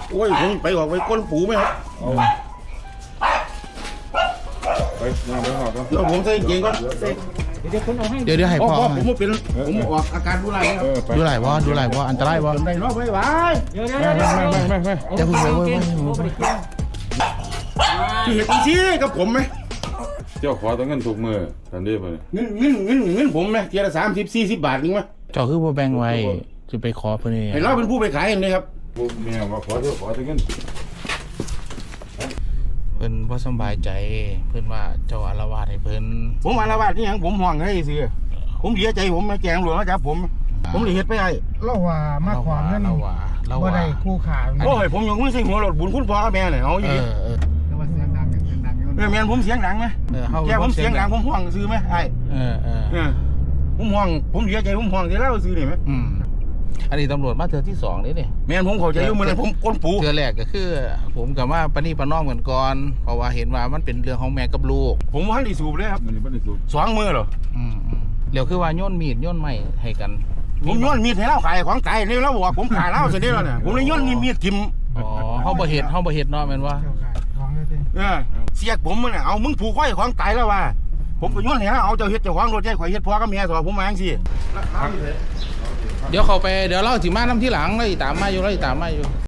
โอ้ยผมไปออกไปก้นปูไหมครับไปงานไปหอกันแล้วผมใส่เกงก่อนเดี๋ยวคนเอาให้เดี๋ยวให้พ่พ่ออผมเป็นผมออกอาการดูไรครับไปดูหลายว่าอันตรายว่าจนได้รอบไว้ไว้เดี๋ยวไม่อย่าเพิ่งไปเว้ยที่เห็นจริงกับผมไหมเจ้าขอต้องเงินถูกมือทันทีไปเงินผมไหมเทียละ30-40 บาทนึงไหมเจ้าคือบ่แบ่งไว้จะไปขอเพิ่นนี่เห็นเราเป็นผู้ไปขายเองเลยครับแม่ว่าขอต้องเงินเพิ่นบ่สบายใจเพิ่นว่าเจ้าอาละวาดให้เพิ่นผมอาละวาดนี่ยังผมห่วงให้สิผมเสียใจผมมาแจงหลวงมาจับผมเลยเฮ็ดไปไอ้เราว่ามาขวางเงินเราว่าบ่ได้คู่ขาโอ้ยผมยังไม่ใช่หัวรถบุญคุณพ่อกับแม่เลยเอาอยู่ดิแต่ว่าเสียงดังอยู่แม่ผมเสียงดังไหมแกผมเสียงดังผมห่วงซื้อไหมไอ้ผมห่วงผมเสียใจผมห่วงที่เล่าซื้อนี่ไหมอันนี้ตำรวจมาเทื่อที่2นี่นี่แม่ผมเข้าใจอยู่เหมือนผมก้นปูเทื่อแรกก็คือ ผมกับว่าปณีประนอมกันก่อนเพราะว่าเห็นว่ามันเป็นเรื่องของแม่กับลูกผมว่าได้สูบเลยครับมันนี่ไม่ได้สูบ 2 มือเหรอเดี๋ยวคือว่าโยนมีดโยนไม้ให้กันผมย้อนมีดให้เล่าขายของตายนี่แล้วบอกผมขายเล่าเสร็จแล้วเนี่ยผมเลยย้อนมีดทิมอ๋อเฮาบ่เฮ็ดเนาะแม่นว่าเสียกผมมันเอามึงผูกไว้ของตายแล้วว่าผมก็ย้อนให้เอาเจ้าเฮ็ดเจ้าของรถใจข่อยเฮ็ดพ่อกับแม่สอนผมมาจังซี่เดี๋ยวเขาไปเดี๋ยวเล่าสิมานํที่หลังแล้วอีตามมาอยู่